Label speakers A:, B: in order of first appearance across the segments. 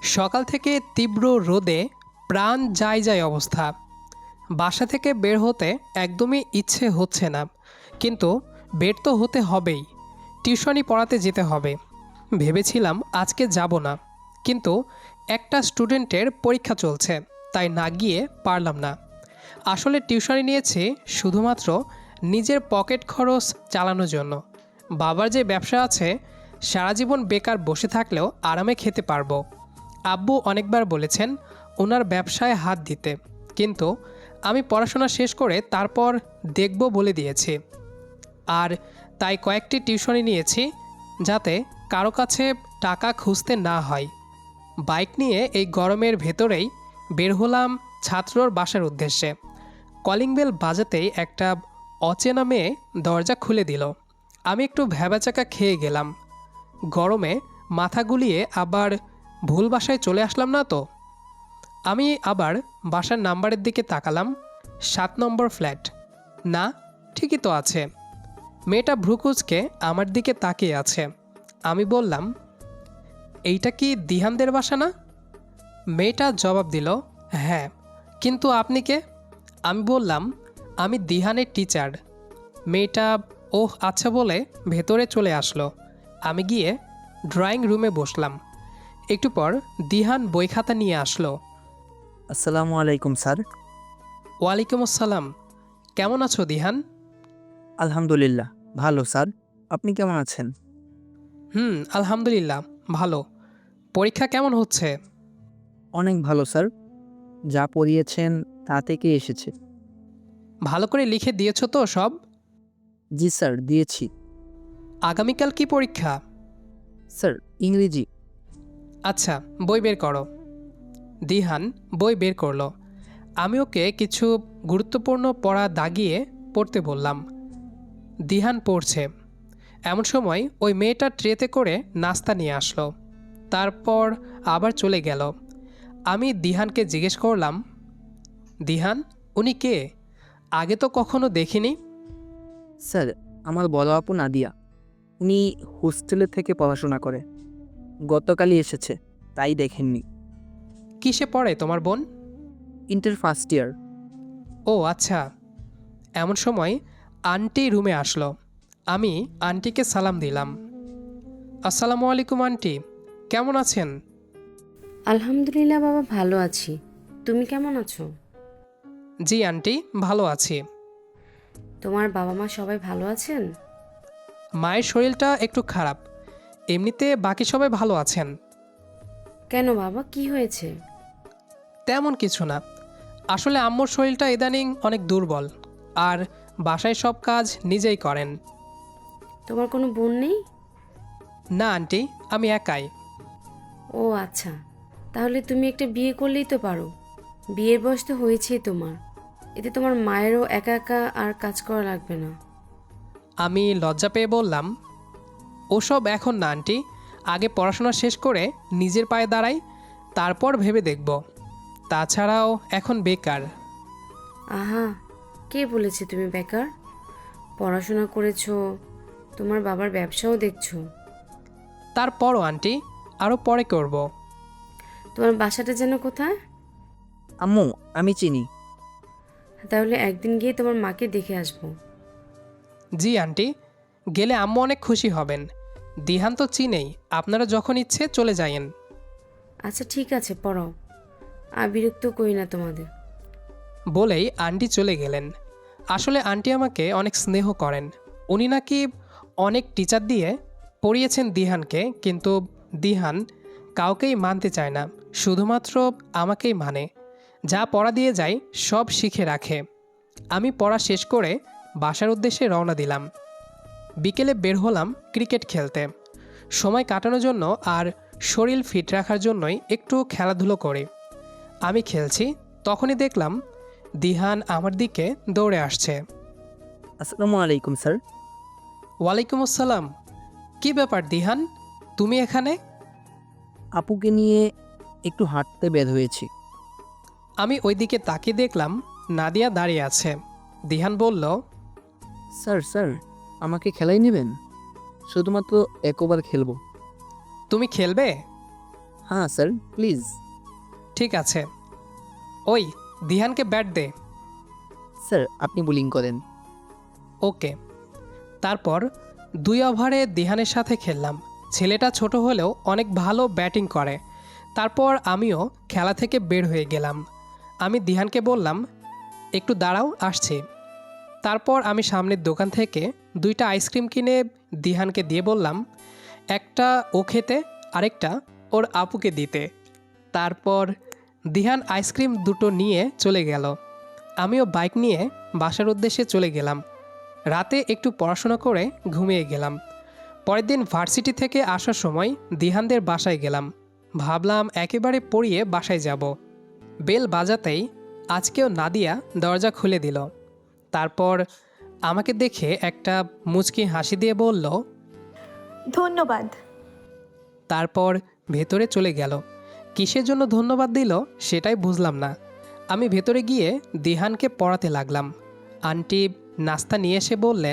A: সকাল থেকে তীব্র রোদে প্রাণ যায় যায় অবস্থা। বাসা থেকে বের হতে একদমই ইচ্ছে হচ্ছে না, কিন্তু বের তো হতে হবেই। টিউশনি পড়াতে যেতে হবে। ভেবেছিলাম আজকে যাব না, কিন্তু একটা স্টুডেন্টের পরীক্ষা চলছে, তাই না গিয়ে পারলাম না। আসলে টিউশনি নিয়েছি শুধুমাত্র নিজের পকেট খরচ চালানোর জন্য। বাবার যে ব্যবসা আছে, সারা জীবন বেকার বসে থাকলেও আরামে খেতে পারবো। আব্বু অনেকবার বলেছেন ওনার ব্যবসায় হাত দিতে, কিন্তু আমি পড়াশোনা শেষ করে তারপর দেখব বলে দিয়েছি। আর তাই কয়েকটি টিউশনি নিয়েছি, যাতে কারো কাছে টাকা খুঁজতে না হয়। বাইক নিয়ে এই গরমের ভেতরেই বের হলাম ছাত্রর বাসার উদ্দেশ্যে। কলিং বেল বাজাতেই একটা অচেনা মেয়ে দরজা খুলে দিল। আমি একটু ভ্যাবাচাকা খেয়ে গেলাম। গরমে মাথা গুলিয়ে আবার ভুল বাসায় চলে আসলাম না তো। আমি আবার বাসার নাম্বারের দিকে তাকালাম। 7 নম্বর ফ্ল্যাট। না, ঠিকই তো আছে। মেয়েটা ভ্রুকুচকে আমার দিকে তাকিয়ে আছে। আমি বললাম, এইটা কি দিহানদের বাসা না? মেয়েটা জবাব দিল, হ্যাঁ, কিন্তু আপনি কে? আমি বললাম, আমি দিহানের টিচার। মেয়েটা ওহ আচ্ছা বলে ভেতরে চলে আসলো। আমি গিয়ে ড্রয়িং রুমে বসলাম। একটু পর দিহান বই খাতা নিয়ে আসলো।
B: আসসালামু আলাইকুম স্যার।
A: ওয়ালাইকুম আসসালাম। কেমন আছো দিহান?
B: আলহামদুলিল্লাহ ভালো স্যার। আপনি কেমন আছেন?
A: আলহামদুলিল্লাহ ভালো। পরীক্ষা কেমন হচ্ছে?
B: অনেক ভালো স্যার। যা পড়িয়েছেন তা থেকে এসেছে।
A: ভালো করে লিখে দিয়েছো তো সব?
B: জি স্যার, দিয়েছি।
A: আগামীকাল কি পরীক্ষা?
B: স্যার, ইংরেজি।
A: আচ্ছা, বই বের করো। দিহান বই বের করলো। আমি ওকে কিছু গুরুত্বপূর্ণ পড়া দাগিয়ে পড়তে বললাম। দিহান পড়ছে। এমন সময় ওই মেয়েটা ট্রেতে করে নাস্তা নিয়ে আসলো। তারপর আবার চলে গেল। আমি দিহানকে জিজ্ঞেস করলাম, দিহান, উনি কে? আগে তো কখনো দেখিনি।
B: স্যার, আমার বড় আপু নাদিয়া। উনি হোস্টেলে থেকে পড়াশোনা করে। গতকালই এসেছে, তাই দেখেননি।
A: কিসে পড়ে তোমার বোন?
B: Inter first year.
A: ও আচ্ছা। এমন সময় আন্টি রুমে আসলো। আমি আন্টিকে সালাম দিলাম। আসসালামু আলাইকুম আন্টি, কেমন আছেন?
C: আলহামদুলিল্লাহ বাবা, ভালো আছি। তুমি কেমন আছো?
A: জি আন্টি, ভালো আছি।
C: তোমার বাবা মা সবাই ভালো আছেন?
A: মায়ের শরীরটা একটু খারাপ, এমনিতে বাকি সবাই ভালো আছেন।
C: কেন বাবা, কি হয়েছে?
A: তেমন কিছু না, আসলে আম্মুর শরীরটা ইদানিং অনেক দুর্বল, আর বাসায় সব কাজ নিজেই করেন।
C: তোমার কোনো বোন নেই?
A: না আন্টি, আমি একাই।
C: ও আচ্ছা, তাহলে তুমি একটা বিয়ে করলেই তো পারো। বিয়ের বয়স তো হয়েছেই তোমার। এতে তোমার মায়েরও একা একা আর কাজ করা লাগবে না।
A: আমি লজ্জা পেয়ে বললাম, ওসব এখন না আন্টি, আগে পড়াশোনা শেষ করে নিজের পায়ে দাঁড়াই, তারপর ভেবে দেখব। তাছাড়াও এখন বেকার।
C: আহা, কে বলেছে তুমি বেকার? পড়াশোনা করেছো, তোমার বাবার ব্যবসাও দেখছো।
A: তারপরও আন্টি, আরও পরে করব।
C: তোমার বাসাটা যেন কোথায়?
B: আম্মু, আমি চিনি।
C: তাহলে একদিন গিয়ে তোমার মাকে দেখে আসবো।
A: জি আন্টি, গেলে আম্মু অনেক খুশি হবেন। দিহান তো চিনেই, আপনারা যখন ইচ্ছে চলে যায়েন।
C: আচ্ছা ঠিক আছে, পড়াও। আর বিরক্ত করি না তোমাদের।
A: বলেই আন্টি চলে গেলেন। আসলে আন্টি আমাকে অনেক স্নেহ করেন। উনি নাকি অনেক টিচার দিয়ে পড়িয়েছেন দিহানকে, কিন্তু দিহান কাউকেই মানতে চায় না, শুধুমাত্র আমাকেই মানে। যা পড়া দিয়ে যায় সব শিখে রাখে। আমি পড়া শেষ করে বাসার উদ্দেশ্যে রওনা দিলাম। বিকেলে বের হলাম ক্রিকেট খেলতে, সময় কাটানোর জন্য আর শরীর ফিট রাখার জন্যই একটু খেলাধুলো করি। আমি খেলছি, তখনই দেখলাম দিহান আমার দিকে দৌড়ে আসছে।
B: আসসালামু আলাইকুম স্যার।
A: ওয়ালাইকুম আসসালাম। কি ব্যাপার দিহান, তুমি এখানে?
B: আপুকে নিয়ে একটু হাঁটতে বের হয়েছি।
A: আমি ওই দিকে তাকিয়ে দেখলাম নাদিয়া দাঁড়িয়ে আছে। দিহান বলল,
B: স্যার স্যার, আমাকে খেলাই নেবেন? শুধুমাত্র একবার খেলবো।
A: তুমি খেলবে?
B: হ্যাঁ স্যার, প্লিজ।
A: ঠিক আছে। ওই দিহানকে ব্যাট দে।
B: স্যার, আপনি বোলিং করেন।
A: ওকে। তারপর 2 ওভারে দিহানের সাথে খেললাম। ছেলেটা ছোট হলেও অনেক ভালো ব্যাটিং করে। তারপর আমিও খেলা থেকে বের হয়ে গেলাম। আমি দিহানকে বললাম, একটু দাঁড়াও, আসছি। তারপর আমি সামনের দোকান থেকে 2টা আইসক্রিম কিনে দিহানকে দিয়ে বললাম, একটা ও খেতে, আরেকটা ওর আপুকে দিতে। তারপর দিহান আইসক্রিম দুটো নিয়ে চলে গেল। আমিও বাইক নিয়ে বাসার উদ্দেশ্যে চলে গেলাম। রাতে একটু পড়াশোনা করে ঘুমিয়ে গেলাম। পরের দিন ভার্সিটি থেকে আসার সময় দিহানদের বাসায় গেলাম। ভাবলাম একেবারে পড়িয়ে বাসায় যাব। বেল বাজাতেই আজকেও নাদিয়া দরজা খুলে দিল। তারপর আমাকে দেখে একটা মুচকি হাসি দিয়ে বলল,
D: ধন্যবাদ।
A: তারপর ভেতরে চলে গেল। কিসের জন্য ধন্যবাদ দিল সেটাই বুঝলাম না। আমি ভেতরে গিয়ে দিহানকে পড়াতে লাগলাম। আন্টি নাস্তা নিয়ে এসে বললেন,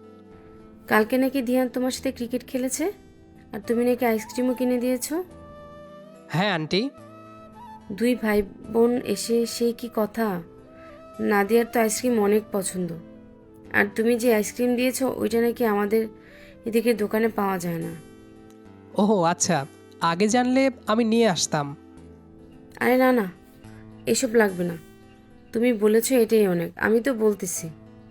C: কালকে নাকি দিহান তোমার সাথে ক্রিকেট খেলেছে, আর তুমি নাকি আইসক্রিমও কিনে দিয়েছো।
A: হ্যাঁ আন্টি।
C: 2 ভাই বোন এসে সেই কি কথা। নাদিয়ার তো আইসক্রিম অনেক পছন্দ, আর তুমি যে আইসক্রিম দিয়েছো ওইটা নাকি আমাদের এদিকে দোকানে পাওয়া যায় না।
A: ওহো আচ্ছা, আগে জানলে আমি নিয়ে আসতাম।
C: আরে না না, এসব লাগবে না, তুমি বলেছো এটাই অনেক, আমি তো বলতেছি।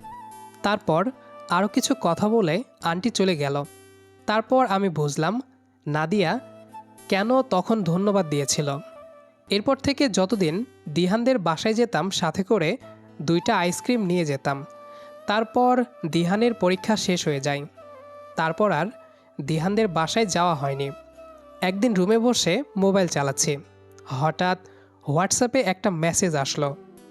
A: তারপর আরও কিছু কথা বলে আন্টি চলে গেল। তারপর আমি বুঝলাম নাদিয়া কেন তখন ধন্যবাদ দিয়েছিল। এরপর থেকে যতদিন দিহানদের বাসায় যেতাম সাথে করে 2টা আইসক্রিম নিয়ে যেতাম। তারপর দিহানের পরীক্ষা শেষ হয়ে যায়। তারপর আর দিহানদের বাসায় যাওয়া হয়নি। একদিন রুমে বসে মোবাইল চালাচ্ছি, হঠাৎ হোয়াটসঅ্যাপে একটা মেসেজ আসলো।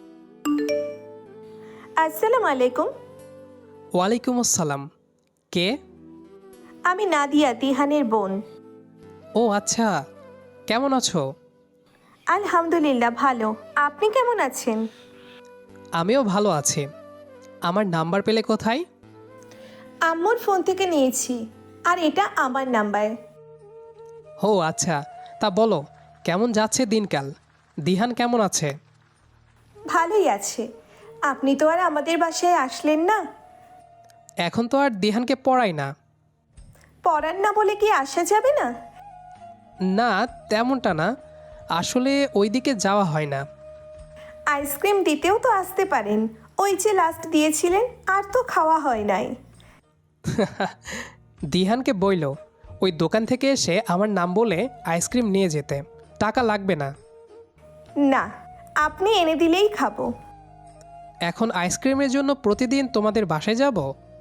D: আসসালামু আলাইকুম।
A: ওয়ালাইকুম আসসালাম। কে?
D: আমি নাদিয়া, দিহানের বোন।
A: ও আচ্ছা, কেমন আছো?
D: আলহামদুলিল্লাহ ভালো। আপনি কেমন আছেন?
A: আমিও ভালো আছি। আমার নাম্বার পেলে কোথায়?
D: আম্মুর ফোন থেকে নিয়েছি, আর এটা আমার নাম্বার।
A: ও আচ্ছা, তা বলো কেমন যাচ্ছে দিনকাল? দিহান কেমন আছে?
D: ভালোই আছে। আপনি তো আর আমাদের বাসায় আসলেন না।
A: এখন তো আর দিহানকে পড়াই না।
D: পড়ান না বলে কি আসা যাবে না?
A: না, তেমনটা না, আসলে ওইদিকে যাওয়া হয় না।
D: আইসক্রিম দিতেও তো আসতে পারেন, ওই যে লাস্ট দিয়েছিলেন, আর তো খাওয়া হয় নাই।
A: দিহানকে বইল ওই দোকান থেকে এসে আমার নাম বলে আইসক্রিম নিয়ে যেতে, টাকা লাগবে না।
D: না, আপনি এনে দিলেই খাবো।
A: এখন আইসক্রিমের জন্য প্রতিদিন তোমাদের বাসায় যাব?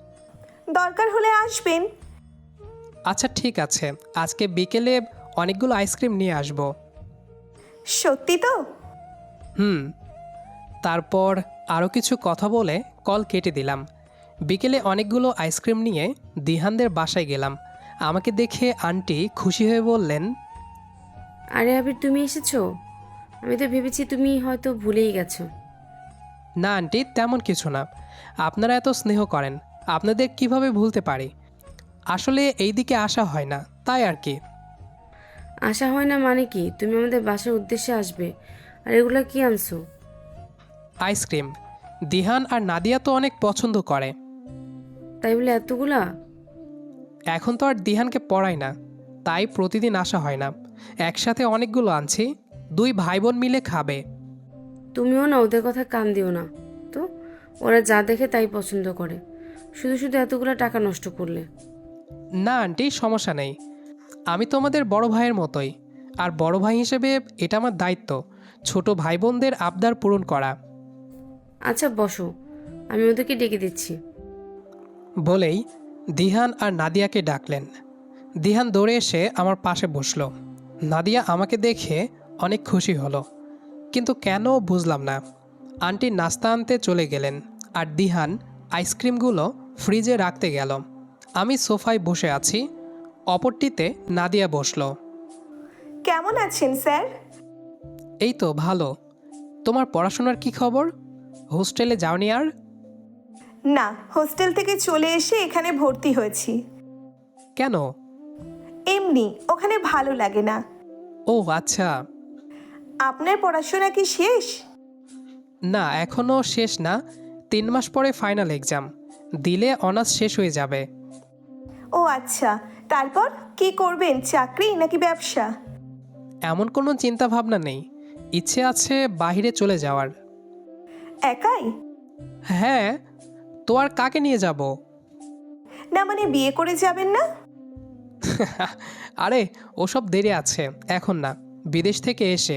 D: দরকার হলে আসবেন।
A: আচ্ছা ঠিক আছে, আজকে বিকেলে অনেকগুলো আইসক্রিম নিয়ে আসবো।
D: সত্যি তো?
A: হুম। তারপর আরও কিছু কথা বলে কল কেটে দিলাম। বিকেলে অনেকগুলো আইসক্রিম নিয়ে দিহানদের বাসায় গেলাম। আমাকে দেখে আন্টি খুশি হয়ে বললেন,
C: আরে আবির, তুমি এসেছো? আমি তো ভেবেছি তুমি হয়তো ভুলেই গেছো।
A: না আন্টি, তেমন কিছু না। আপনারা এত স্নেহ করেন, আপনাদের কিভাবে ভুলতে পারি? আসলে এই দিকে আসা হয় না, তাই আর কি।
C: আশা হয় না মানে কি? তুমি আমাদের বাসার উদ্দেশ্যে আসবে, আর এগুলো কি আনছো?
A: আইসক্রিম। দিহান আর নাদিয়া তো অনেক পছন্দ করে।
C: তাই বলে এতগুলা?
A: এখন তো আর দিহানকে পড়াই না, তাই প্রতিদিন আসা হয় না। একসাথে অনেকগুলো আনছি, 2 ভাই বোন মিলে খাবে।
C: তুমিও না ওদের কথা কান দিও না তো, ওরা যা দেখে তাই পছন্দ করে। শুধু শুধু এতগুলো টাকা নষ্ট করলে।
A: না আন্টি, সমস্যা নেই। আমি তোমাদের বড় ভাইয়ের মতোই, আর বড় ভাই হিসেবে এটা আমার দায়িত্ব ছোট ভাই বোনদের আবদার পূরণ করা।
C: আচ্ছা বসো, আমি ওদেরকে ডেকে দিচ্ছি।
A: বলেই দিহান আর নাদিয়াকে ডাকলেন। দিহান দৌড়ে এসে আমার পাশে বসলো। নাদিয়া আমাকে দেখে অনেক খুশি হলো, কিন্তু কেন বুঝলাম না। আন্টি নাস্তা আনতে চলে গেলেন, আর দিহান আইসক্রিমগুলো ফ্রিজে রাখতে গেল। আমি সোফায় বসে আছি, অপরটিতে নাদিয়া বসলো।
D: কেমন আছেন স্যার?
A: এই তো ভালো। তোমার পড়াশোনার কি খবর? হোস্টেলে যাওনি আর?
D: না, হোস্টেল থেকে চলে এসে এখানে ভর্তি হয়েছি।
A: কেন?
D: এমনি, ওখানে ভালো লাগে না।
A: ও আচ্ছা।
D: আপনার পড়াশোনা কি শেষ?
A: না, এখনও শেষ না। 3 মাস পরে ফাইনাল এক্সাম দিলে অনার্স শেষ হয়ে যাবে।
D: ও আচ্ছা, তারপর কি করবেন, চাকরি নাকি ব্যবসা?
A: এমন কোনো চিন্তা ভাবনা নেই, ইচ্ছে আছে বাইরে চলে যাওয়ার।
D: একাই?
A: হ্যাঁ, তো আর কাকে নিয়ে যাব?
D: না মানে বিয়ে করে যাবেন না?
A: আরে ওসব দেরি আছে, এখন না, বিদেশ থেকে এসে।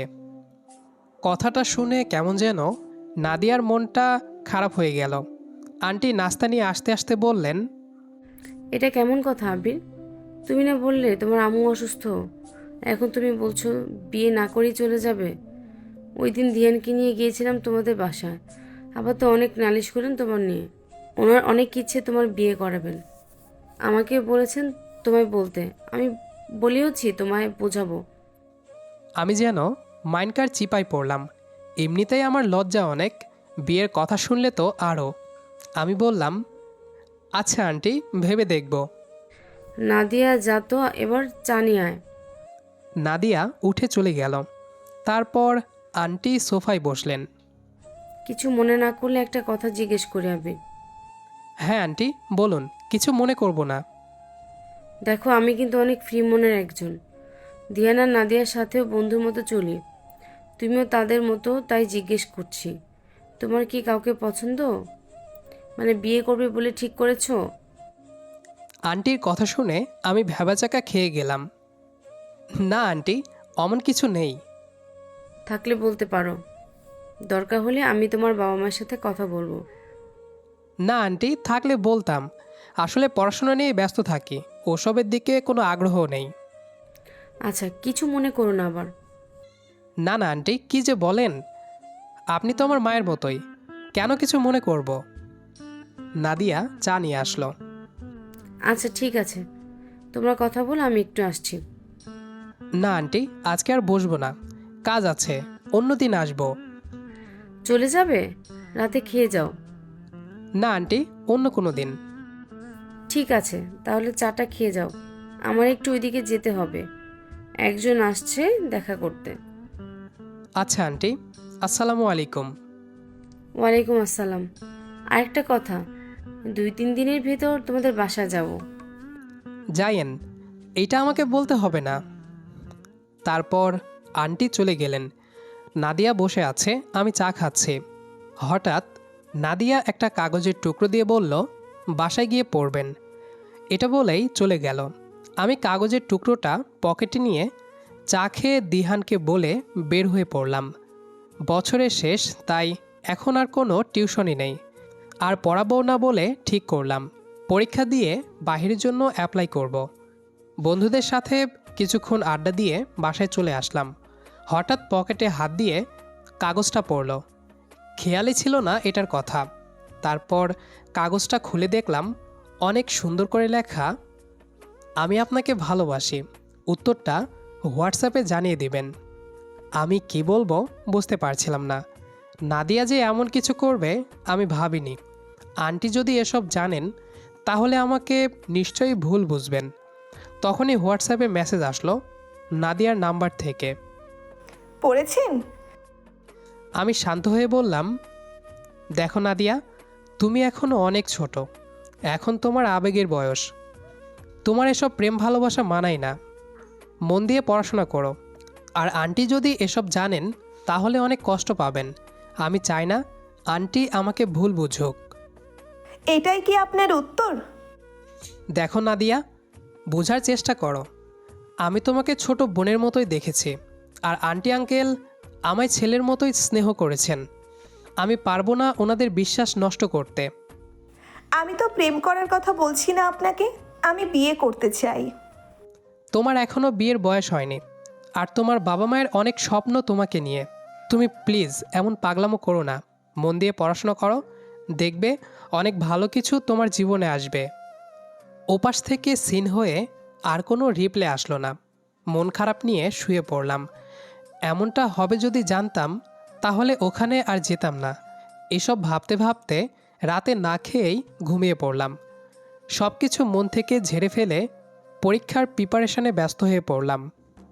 A: কথাটা শুনে কেমন যেন নাদিয়ার মনটা খারাপ হয়ে গেল। আন্টি নাস্তা নিয়ে আসতে আসতে বললেন,
C: এটা কেমন কথা আবির? তুমি না বললে তোমার আম্মু অসুস্থ, এখন তুমি বলছো বিয়ে না করেই চলে যাবে? ওই দিন দিয়ানকে নিয়ে গিয়েছিলাম তোমাদের বাসায়, আবার তো অনেক নালিশ করেন তোমার নিয়ে। ওনার অনেক ইচ্ছে তোমার বিয়ে করাবেন, আমাকে বলেছেন তোমায় বলতে। আমি বলিওছি তোমায় বোঝাবো।
A: আমি যেন মাইনকার চিপায় পড়লাম। এমনিতেই আমার লজ্জা অনেক, বিয়ের কথা শুনলে তো আরও। আমি বললাম, আচ্ছা আন্টি, ভেবে দেখব।
C: নাদিয়া যা তো, এবার চা নিয়ে আয়।
A: নাদিয়া উঠে চলে গেল। তারপর আন্টি সোফায় বসলেন।
C: কিছু মনে না করলে একটা কথা জিজ্ঞেস করি আবির।
A: হ্যাঁ আন্টি, বলুন, কিছু মনে করব না।
C: দেখো, আমি কিন্তু অনেক ফ্রি মনের একজন। দিয়ানা নাদিয়ার সাথেও বন্ধুর মতো চলি, তুমিও তাদের মতো, তাই জিজ্ঞেস করছি। তোমার কি কাউকে পছন্দ, মানে বিয়ে করবে বলে ঠিক করেছো?
A: আন্টির কথা শুনে আমি ভ্যাবাচাকা খেয়ে গেলাম। না আন্টি, অমন কিছু নেই।
C: থাকলে বলতে পারো, দরকার হলে আমি তোমার বাবা মায়ের সাথে কথা বলবো।
A: না আন্টি, থাকলে বলতাম। আসলে পড়াশোনা নিয়ে ব্যস্ত থাকি, ওসবের দিকে কোনো আগ্রহ নেই।
C: আচ্ছা, কিছু মনে করো না আবার।
A: না না আন্টি, কি যে বলেন, আপনি তো আমার মায়ের মতোই, কেন কিছু মনে করব? নাদিয়া চা নিয়ে আসলো।
C: আচ্ছা ঠিক আছে, তোমরা কথা বলো, আমি একটু আসছি।
A: না আন্টি, আজকে আর বসবো না, কাজ আছে, অন্যদিন আসবো।
C: চলে যাবে? রাতে খেয়ে যাও।
A: না আন্টি, অন্য কোনো দিন।
C: ঠিক আছে, তাহলে চাটা খেয়ে যাও, আমার একটু ওইদিকে যেতে হবে, একজন আসছে দেখা করতে।
A: আচ্ছা আন্টি, আসসালামু আলাইকুম।
C: ওয়ালাইকুম আসসালাম। আরেকটা কথা, 2-3 দিনের ভেতর তোমাদের বাসা যাব।
A: যাইয়েন, এইটা আমাকে বলতে হবে না। তারপর আন্টি চলে গেলেন। নাদিয়া বসে আছে, আমি চা খাচ্ছি। হঠাৎ নাদিয়া একটা কাগজের টুকরো দিয়ে বলল, বাসায় গিয়ে পড়বেন। এটা বলেই চলে গেল। আমি কাগজের টুকরোটা পকেটে নিয়ে চা খেয়ে দিহানকে বলে বের হয়ে পড়লাম। বছরের শেষ, তাই এখন আর কোনো টিউশনই নেই, আর পড়াবো না বলে ঠিক করলাম পরীক্ষা দিয়ে বাহিরের জন্য অ্যাপ্লাই করব। বন্ধুদের সাথে কিছুক্ষণ আড্ডা দিয়ে বাসায় চলে আসলাম। হঠাৎ পকেটে হাত দিয়ে কাগজটা পড়ল, খেয়ালই ছিল না এটার কথা। তারপর কাগজটা খুলে দেখলাম অনেক সুন্দর করে লেখা, আমি আপনাকে ভালোবাসি, উত্তরটা হোয়াটসঅ্যাপে জানিয়ে দিবেন। আমি কি বলবো বুঝতে পারছিলাম না। নাদিয়া যে এমন কিছু করবে আমি ভাবিনি। আন্টি যদি এসব জানেন তাহলে আমাকে নিশ্চয়ই ভুল বুঝবেন। তখনই হোয়াটসঅ্যাপে মেসেজ আসলো নাদিয়ার নাম্বার থেকে।
D: পড়েছেন?
A: আমি শান্ত হয়ে বললাম, দেখো নাদিয়া, তুমি এখনও অনেক ছোট, এখন তোমার আবেগের বয়স, তোমার এসব প্রেম ভালোবাসা মানায় না, মন দিয়ে পড়াশোনা করো। আর আন্টি যদি এসব জানেন তাহলে অনেক কষ্ট পাবেন। আমি চাই না আন্টি আমাকে ভুল বুঝুক।
D: এটাই কি আপনার উত্তর?
A: দেখো নাদিয়া, বোঝার চেষ্টা করো। আমি তোমাকে ছোট বোনের মতোই দেখেছি, আর আন্টি আঙ্কেল আমায় ছেলের মতোই স্নেহ করেছেন। আমি পারবো না ওনাদের বিশ্বাস নষ্ট করতে।
D: আমি তো প্রেম করার কথা বলছি না আপনাকে, আমি বিয়ে করতে চাই।
A: তোমার এখনও বিয়ের বয়স হয়নি, আর তোমার বাবা মায়ের অনেক স্বপ্ন তোমাকে নিয়ে। তুমি প্লিজ এমন পাগলামো করো না, মন দিয়ে পড়াশোনা করো, দেখবে অনেক ভালো কিছু তোমার জীবনে আসবে। ওপাশ থেকে সিন হয়ে আর কোনো রিপ্লে আসলো না। মন খারাপ নিয়ে শুয়ে পড়লাম। এমনটা হবে যদি জানতাম তাহলে ওখানে আর যেতাম না। এসব ভাবতে ভাবতে রাতে না খেয়েই ঘুমিয়ে পড়লাম। সব কিছু মন থেকে ঝেড়ে ফেলে পরীক্ষার প্রিপারেশনে ব্যস্ত হয়ে পড়লাম।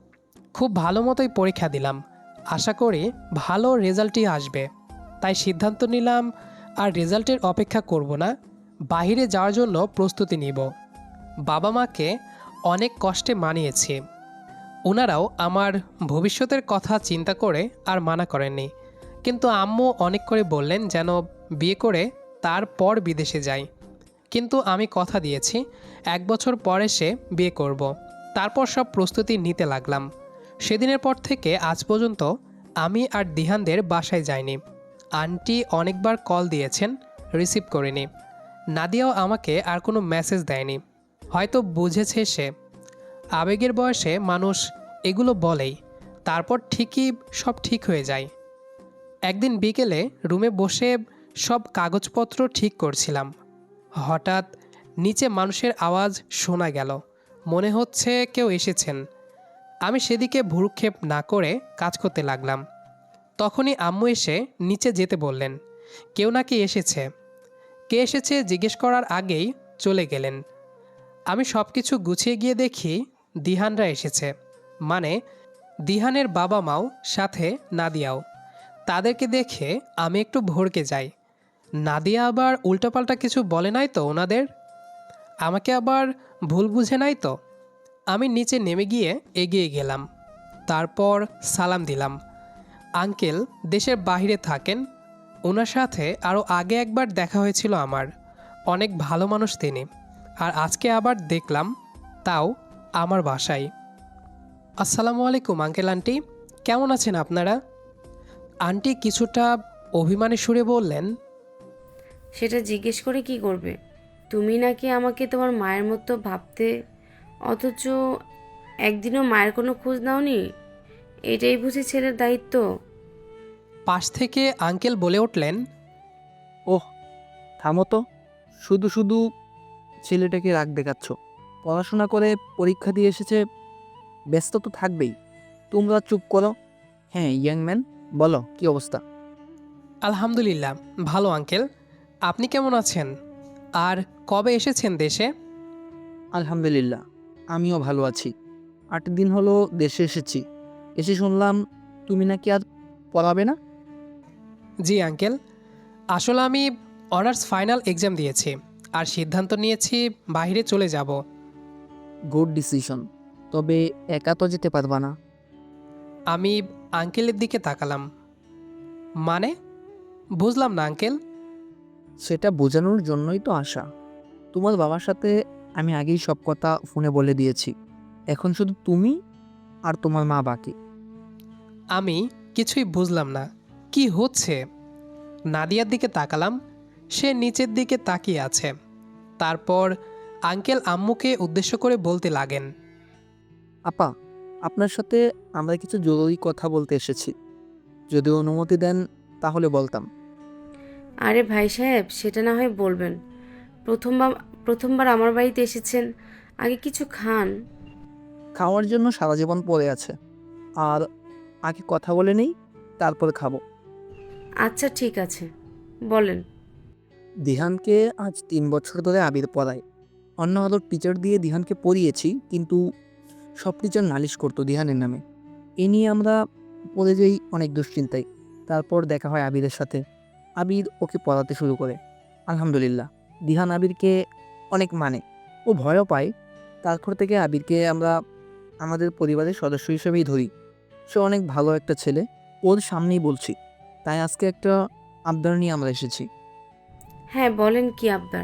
A: খুব ভালো মতোই পরীক্ষা দিলাম, আশা করি ভালো রেজাল্টই আসবে। তাই সিদ্ধান্ত নিলাম আর রেজাল্টের অপেক্ষা করব না, বাইরে যাওয়ার জন্য প্রস্তুতি নিব। বাবা মাকে অনেক কষ্টে মানিয়েছি, ওনারাও আমার ভবিষ্যতের কথা চিন্তা করে আর মানা করেননি। কিন্তু আম্মু অনেক করে বললেন যেন বিয়ে করে তারপর বিদেশে যাই। কিন্তু আমি কথা দিয়েছি 1 বছর পর এসে বিয়ে করব। তারপর সব প্রস্তুতি নিতে লাগলাম। সেদিনের পর থেকে আজ পর্যন্ত আমি আর দিহানদের বাসায় যাইনি। আন্টি অনেকবার কল দিয়েছেন, রিসিভ করিনি। নাদিয়াও আমাকে আর কোনো মেসেজ দেয়নি, হয়তো বুঝেছে সে। আবেগের বয়সে মানুষ এগুলো বলেই, তারপর ঠিকই সব ঠিক হয়ে যায়। একদিন বিকেলে রুমে বসে সব কাগজপত্র ঠিক করছিলাম, হঠাৎ নিচে মানুষের আওয়াজ শোনা গেল। মনে হচ্ছে কেউ এসেছেন। আমি সেদিকে ভ্রুক্ষেপ না করে কাজ করতে লাগলাম। তখনই আম্মু এসে নিচে যেতে বললেন, কেউ নাকি এসেছে। কে এসেছে জিজ্ঞেস করার আগেই চলে গেলেন। আমি সব কিছু গুছিয়ে গিয়ে দেখি দিহানরা এসেছে, মানে দিহানের বাবা মাও, সাথে নাদিয়াও। তাদেরকে দেখে আমি একটু ভড়কে যাই। নাদিয়া আবার উল্টোপাল্টা কিছু বলে নাই তো ওনাদের? আমাকে আবার ভুল বুঝে নাই তো? আমি নিচে নেমে গিয়ে এগিয়ে গেলাম, তারপর সালাম দিলাম। আঙ্কেল দেশের বাইরে থাকেন, ওনার সাথে আরও আগে একবার দেখা হয়েছিল আমার। অনেক ভালো মানুষ তিনি, আর আজকে আবার দেখলাম, তাও আমার বাসায়। আসসালামু আলাইকুম আঙ্কেল আন্টি, কেমন আছেন আপনারা? আন্টি কিছুটা অভিমানী সুরে বললেন,
C: সেটা জিজ্ঞেস করে কি করবে? তুমি নাকি আমাকে তোমার মায়ের মতো ভাবতে, অথচ একদিনও মায়ের কোনো খোঁজ নাওনি। এটাই বুঝি ছেলের দায়িত্ব?
A: পাশ থেকে আঙ্কেল বলে উঠলেন,
B: ওহ, থামো তো। শুধু শুধু ছেলেটাকে রাগ দেখাচ্ছ। পড়াশোনা করে পরীক্ষা দিয়ে এসেছে, ব্যস্ত তো থাকবেই। তোমরা চুপ করো। হ্যাঁ ইয়াং ম্যান, বলো কি অবস্থা?
A: আলহামদুলিল্লাহ ভালো আঙ্কেল, আপনি কেমন আছেন? আর কবে এসেছেন দেশে?
B: আলহামদুলিল্লাহ, আমিও ভালো আছি। 8 দিন হলো দেশে এসেছি। এসে শুনলাম তুমি নাকি আর পড়াবে না।
A: জি আঙ্কেল, আসলে আমি অনার্স ফাইনাল এক্সাম দিয়েছি আর সিদ্ধান্ত নিয়েছি বাইরে চলে যাব।
B: Good decision. তবে একা তো যেতে পারবা না।
A: আমি আঙ্কেলের দিকে তাকালাম। মানে বুঝলাম না আঙ্কেল।
B: সেটা বোঝানোর জন্যই তো আসা। তোমার বাবার সাথে আমি আগেই সব কথা ফোনে বলে দিয়েছি। এখন শুধু তুমি আর তোমার মা বাকি।
A: আমি কিছুই বুঝলাম না কি হচ্ছে। নাদিয়ার দিকে তাকালাম, সে নিচের দিকে তাকিয়ে আছে। তারপর আঙ্কেল আম্মুকে উদ্দেশ্য করে বলতে লাগেন,
B: আপা, আপনার সাথে আমরা কিছু জরুরি কথা বলতে এসেছি। যদি অনুমতি দেন তাহলে বলতাম।
C: আরে ভাই সাহেব, সেটা না হয় বলবেন। প্রথমবার প্রথমবার আমার বাড়িতে এসেছেন, আগে কিছু খান।
B: খাওয়ার জন্য সারা জীবন পড়ে আছে। আর আগে কথা বলে নেই, তারপর খাবো।
C: আচ্ছা ঠিক আছে, বলেন।
B: দিহানকে আজ 3 বছর ধরে আবির পড়ায়। অন্য আরও টিচার দিয়ে দিহানকে পড়িয়েছি, কিন্তু সব টিচার নালিশ করতো দিহানের নামে। এ নিয়ে আমরা পড়ে যাই অনেক দুশ্চিন্তায়। তারপর দেখা হয় আবিরের সাথে। আবির ওকে পড়াতে শুরু করে। আলহামদুলিল্লাহ, দিহান আবিরকে অনেক মানে, ও ভয়ও পায়। তারপর থেকে আবিরকে আমরা আমাদের পরিবারের সদস্য হিসেবেই ধরি। সে অনেক ভালো একটা ছেলে, ওর সামনেই বলছি। তাই আজকে একটা আবদার নিয়ে আমরা এসেছি।
C: হ্যাঁ বলেন, কি আবদার?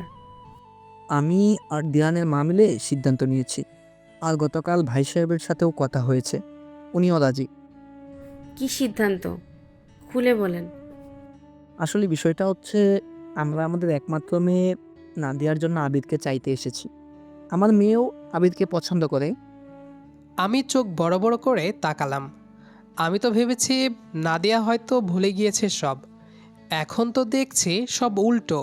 B: আমি আর দিহানের মা মিলে সিদ্ধান্ত নিয়েছি। আর গতকাল ভাই সাহেবের সাথেও কথা হয়েছে, উনিও রাজি।
C: কি সিদ্ধান্ত? খুলে বলেন।
B: আসলে বিষয়টা হচ্ছে, আমরা আমাদের একমাত্র মেয়ে নাদিয়ার জন্য আবিরকে চাইতে এসেছি। আমার মেয়েও আবিরকে পছন্দ করে।
A: আমি চোখ বড় বড় করে তাকালাম। আমি তো ভেবেছি নাদিয়া হয়তো ভুলে গিয়েছে সব, এখন তো দেখছি সব উল্টো।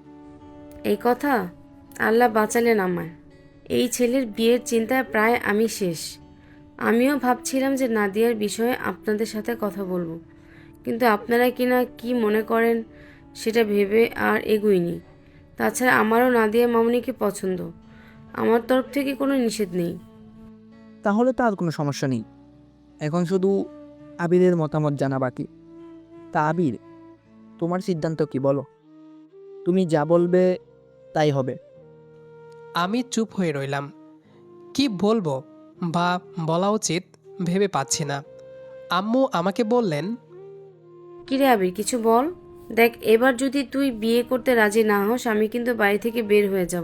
C: এই কথা? আল্লাহ বাঁচালেন আমায়। এই ছেলের বিয়ের চিন্তায় প্রায় আমি শেষ। আমিও ভাবছিলাম যে নাদিয়ার বিষয়ে আপনাদের সাথে কথা বলবো, কিন্তু আপনারা কিনা কি মনে করেন সেটা ভেবে আর এগুইনি। তাছাড়া আমারও নাদিয়া মামুনিকে পছন্দ, আমার তরফ থেকে কোনো নিষেধ নেই।
B: তাহলে তো আর কোনো সমস্যা নেই। এখন শুধু আবিরের মতামত জানা বাকি। তা আবির, তোমার সিদ্ধান্ত কি বলো? তুমি যা বলবে তাই হবে।
A: আমি চুপ হয়ে রইলাম। কি বলবো বা বলা উচিত ভেবে পাচ্ছি না। আম্মু আমাকে বললেন,
C: কিরে আবির, কিছু বল। দেখ, এবার যদি তুই বিয়ে করতে রাজি না হস, আমি কিন্তু বাড়ি থেকে বের হয়ে যাব।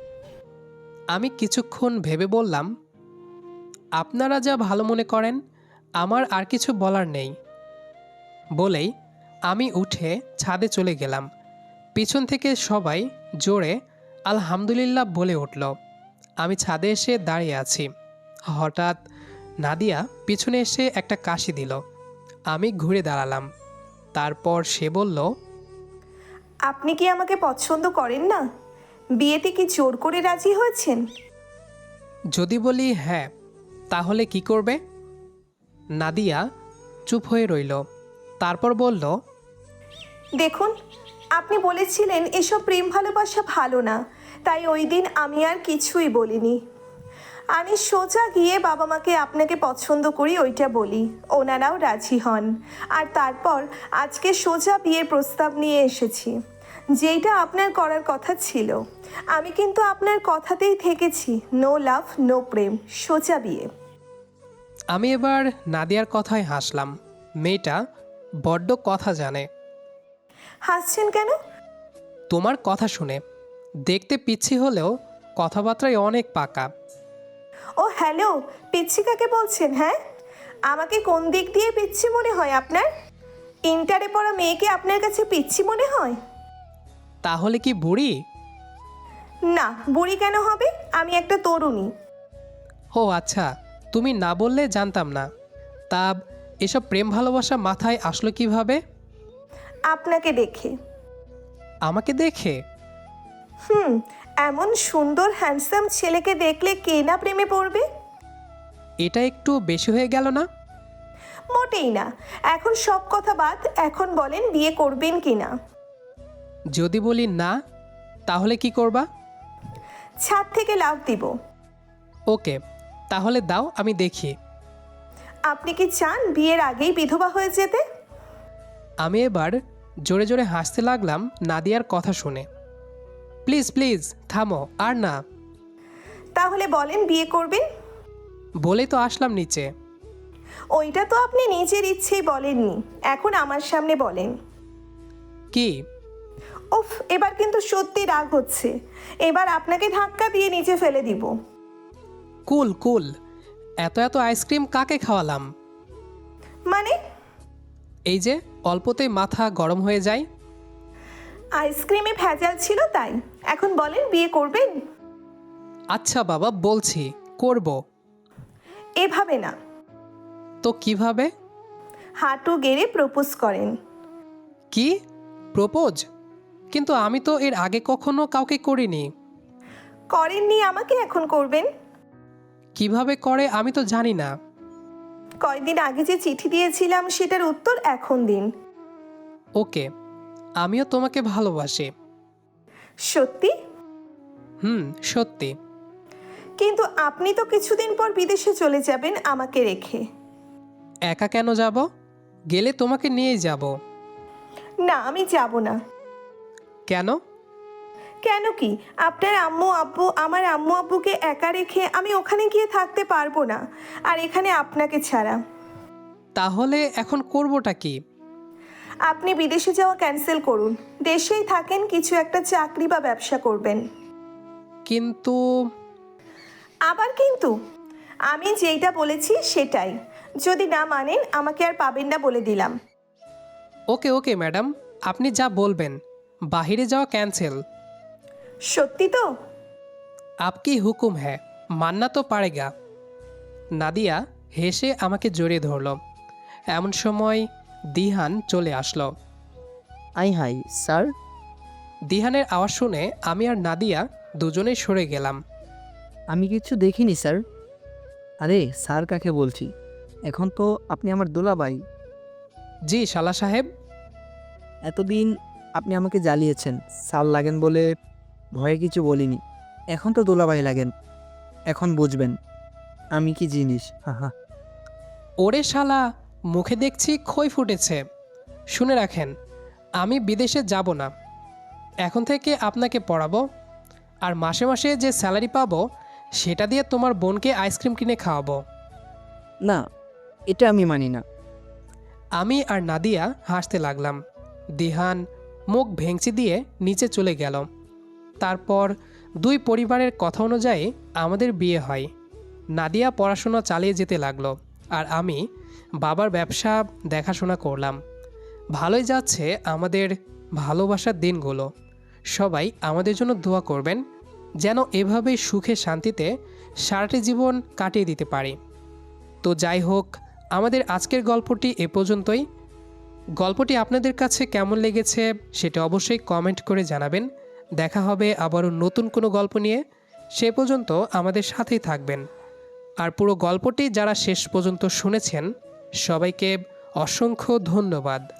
A: আমি কিছুক্ষণ ভেবে বললাম, আপনারা যা ভালো মনে করেন, আমার আর কিছু বলার নেই। বলেই আমি উঠে ছাদে চলে গেলাম। পিছন থেকে সবাই জোরে আলহামদুলিল্লাহ বলে উঠল। আমি ছাদে এসে দাঁড়িয়ে আছি। হঠাৎ নাদিয়া পিছনে এসে একটা কাশি দিল। আমি ঘুরে দাঁড়ালাম। তারপর সে বলল,
D: আপনি কি আমাকে পছন্দ করেন না? বিয়েতে কি জোর করে রাজি হয়েছেন?
A: যদি বলি হ্যাঁ, তাহলে কি করবে? নাদিয়া চুপ হয়ে রইল। তারপর বলল,
D: দেখুন, আপনি বলেছিলেন এসব প্রেম ভালোবাসা ভালো না, তাই ওই দিন আমি আর কিছুই বলিনি। আমি সোজা গিয়ে বাবা মাকে আপনাকে পছন্দ করি ওইটা বলি, ওনারাও রাজি হন। আর তারপর আজকে সোজা বিয়ের প্রস্তাব নিয়ে এসেছি, যেইটা আপনার করার কথা ছিল। আমি কিন্তু আপনার কথাতেই থেকেছি, নো লাভ নো প্রেম, সোজা বিয়ে।
A: আমি এবার নাদিয়ার কথায় হাসলাম। মেয়েটা বড্ড কথা জানে।
D: হাসছেন কেন?
A: তোমার কথা শুনে। দেখতে পিচ্ছি হলেও কথাবার্তায় অনেক পাকা।
D: ও হ্যালো, পিচ্ছি কাকে বলছেন? হ্যাঁ, আমাকে কোন দিক দিয়ে পিচ্ছি মনে হয় আপনার? ইন্টারে পড়া মেয়েকে আপনার কাছে পিচ্ছি মনে হয়?
A: তাহলে কি বুড়ি?
D: না, বুড়ি কেন হবে? আমি একটা তরুণী।
A: ও আচ্ছা, তুমি না বললে জানতাম না। তা এসব প্রেম ভালোবাসা মাথায় আসলো কিভাবে?
D: আপনাকে দেখে।
A: আমাকে দেখে?
D: এমন সুন্দর হ্যান্ডসাম ছেলেকে দেখলে কে না প্রেমে পড়বে?
A: এটা একটু বেশি হয়ে গেল না?
D: মোটেই না। এখন সব কথা বাদ, এখন বলেন বিয়ে করবেন কি না?
A: যদি বলি না, তাহলে কি করবা?
D: ছাদ থেকে লাফ দিব।
A: ওকে, তাহলে দাও আমি দেখি।
D: আপনি কি চান বিয়ের আগেই বিধবা হয়ে যেতে?
A: আমি এবার জোরে জোরে হাসতে লাগলাম নাদিয়ার কথা শুনে। প্লিজ প্লিজ থামো, আর না।
D: তাহলে বলেন বিয়ে করবেন?
A: বলেই তো আসলাম নিচে।
D: ওইটা তো আপনি নিজের ইচ্ছেই বলেননি, এখন আমার সামনে বলেন।
A: কি?
D: উফ, এবার কিন্তু সত্যি রাগ হচ্ছে। এবার আপনাকে ধাক্কা দিয়ে নিচে ফেলে দিব।
A: কুল কুল, এত এত আইসক্রিম কাকে খাওয়ালাম?
D: মানে?
A: এই যে অল্পতেই মাথা গরম হয়ে যায়।
D: আইসক্রিমে ভেজাল ছিল তাই। এখন বলেন বিয়ে করবেন?
A: আচ্ছা বাবা, বলছি করব।
D: এভাবে না,
A: তো কিভাবে?
D: হাঁটু গেড়ে প্রপোজ করেন।
A: কি? প্রপোজ? কিন্তু আমি তো এর আগে কখনো কাউকে করিনি।
D: করেননি, আমাকে এখন করবেন।
A: কিভাবে করে আমি তো জানি না।
D: কয়দিন আগে যে চিঠি দিয়েছিলাম সেটার উত্তর এখন দিন।
A: ওকে, আমিও তোমাকে ভালোবাসি।
D: সত্যি?
A: সত্যি।
D: কিন্তু আপনি তো কিছুদিন পর বিদেশে চলে যাবেন আমাকে রেখে।
A: একা কেন যাব? গেলে তোমাকে নিয়েই যাব।
D: না, আমি যাব না।
A: কেন?
D: কেন কি? আপনার আম্মু আব্বু, আমার আম্মু আব্বুকে একা রেখে আমি ওখানে গিয়ে থাকতে পারবো না, আর এখানে আপনাকে ছাড়া।
A: তাহলে এখন করবোটা কি?
D: আপনি বিদেশে যাওয়া ক্যান্সেল করুন, দেশেই থাকেন, কিছু একটা চাকরি বা ব্যবসা করবেন।
A: কিন্তু
D: আবার কিন্তু? আমি যেইটা বলেছি সেটাই। যদি না মানেন আমাকে আর পাবেন না বলে দিলাম।
A: ওকে ওকে ম্যাডাম, আপনি যা বলবেন। বাহিরে যাওয়া ক্যান্সেল।
D: সত্যি তো?
A: আপকি হুকুম হ্যাঁ, মাননা তো পারেগা। নাদিয়া হেসে আমাকে জড়িয়ে ধরল। এমন সময় দিহান চলে আসলো।
B: I hi sir.
A: দিহানের আওয়াজ শুনে আমি আর নাদিয়া দুজনেই সরে গেলাম।
B: আমি কিছু দেখিনি স্যার। আরে স্যার কাকে বলছি? এখন তো আপনি আমার দুলাভাই।
A: জি শালা সাহেব।
B: এতদিন আপনি আমাকে জ্বালিয়েছেন, স্যার লাগেন বলে ভয়ে কিছু বলিনি। এখন তো দুলাভাই লাগেন, এখন বুঝবেন আমি কি জিনিস। হা হা।
A: ওরে শালা, মুখে দেখছি খই ফুটেছে। শুনে রাখেন, আমি বিদেশে যাব না। এখন থেকে আপনাকে পড়াবো, আর মাসে মাসে যে স্যালারি পাবো সেটা দিয়ে তোমার বোনকে আইসক্রিম কিনে খাওয়াবো।
B: না, এটা আমি মানি না।
A: আমি আর নাদিয়া হাসতে লাগলাম। দিহান মুখ ভেঙচি দিয়ে নিচে চলে গেল। তারপর দুই পরিবারের কথা অনুযায়ী আমাদের বিয়ে হয়। নাদিয়া পড়াশোনা চালিয়ে যেতে লাগলো, আর আমি বাবার ব্যবসা দেখাশোনা করলাম। ভালোই যাচ্ছে আমাদের ভালোবাসার দিনগুলো। সবাই আমাদের জন্য দোয়া করবেন, যেন এভাবেই সুখে শান্তিতে সারাটি জীবন কাটিয়ে দিতে পারি। তো যাই হোক, আমাদের আজকের গল্পটি এ পর্যন্তই। গল্পটি আপনাদের কাছে কেমন লেগেছে সেটা অবশ্যই কমেন্ট করে জানাবেন। দেখা হবে আবারও নতুন কোনো গল্প নিয়ে। সে পর্যন্ত আমাদের সাথেই থাকবেন। আর পুরো গল্পটি যারা শেষ পর্যন্ত শুনেছেন সবাইকে অসংখ্য ধন্যবাদ।